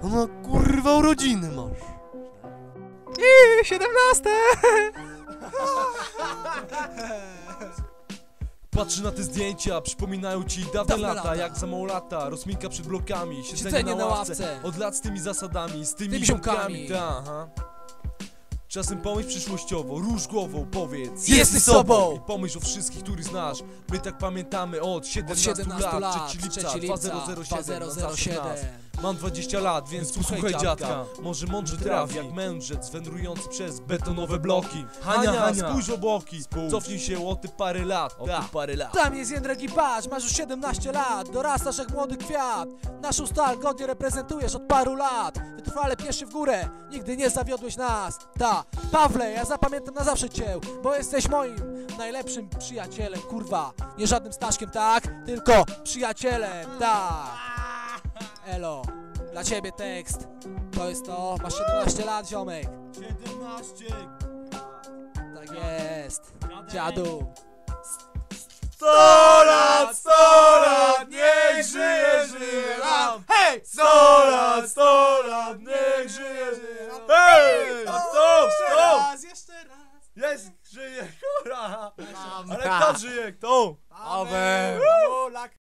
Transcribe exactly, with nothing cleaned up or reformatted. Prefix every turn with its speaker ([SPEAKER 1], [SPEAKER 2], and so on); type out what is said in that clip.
[SPEAKER 1] Ona kurwa urodziny masz.
[SPEAKER 2] I siedemnaste!
[SPEAKER 3] Patrzy na te zdjęcia, przypominają ci dawne,
[SPEAKER 2] Dawne
[SPEAKER 3] lata,
[SPEAKER 2] lata.
[SPEAKER 3] jak za mało lata, rozminka przed blokami, siedzenie,
[SPEAKER 2] Siedzenie
[SPEAKER 3] na
[SPEAKER 2] na
[SPEAKER 3] ławce,
[SPEAKER 2] ławce.
[SPEAKER 3] od lat z tymi zasadami, z tymi,
[SPEAKER 2] Tymi
[SPEAKER 3] ziomkami,
[SPEAKER 2] ziomkami.
[SPEAKER 3] ta, aha. Czasem pomyśl przyszłościowo, rusz głową, powiedz
[SPEAKER 2] Jesteś sobą!
[SPEAKER 3] I pomyśl o wszystkich, których znasz. My tak pamiętamy od siedemnastu,
[SPEAKER 2] Od siedemnastu
[SPEAKER 3] lat,
[SPEAKER 2] lat,
[SPEAKER 3] trzeciego
[SPEAKER 2] trzeciego
[SPEAKER 3] lipca,
[SPEAKER 2] lipca,
[SPEAKER 3] dwa zero zero siedem,
[SPEAKER 2] siedem.
[SPEAKER 3] Mam dwadzieścia lat, więc posłuchaj dziadka. Może mądrze trafi, jak mędrzec wędrujący przez betonowe bloki. Hania, Hania, spójrz o boki, cofnij się o te parę lat, o te parę lat.
[SPEAKER 2] Tam jest Jędrek i patrz, masz już siedemnaście lat, dorastasz jak młody kwiat. Naszą stal godnie reprezentujesz od paru lat. Wytrwale pniesz się w górę, nigdy nie zawiodłeś nas. Ta, Pawle, ja zapamiętam na zawsze cię, bo jesteś moim najlepszym przyjacielem, kurwa. Nie żadnym Staszkiem, tak? Tylko przyjacielem, tak. Elo, dla ciebie tekst. To jest to, masz siedemnaście lat, ziomek.
[SPEAKER 3] siedemnaście.
[SPEAKER 2] Tak jest, dziadu.
[SPEAKER 3] sto lat, sto lat, niech żyje, żyje nam! Hej! sto lat, sto lat, niech żyje, żyje nam! Hej! A kto? Kto?
[SPEAKER 2] Jeszcze raz.
[SPEAKER 3] Jest, żyje, hurra! Ale kto żyje? Kto?
[SPEAKER 2] Amen.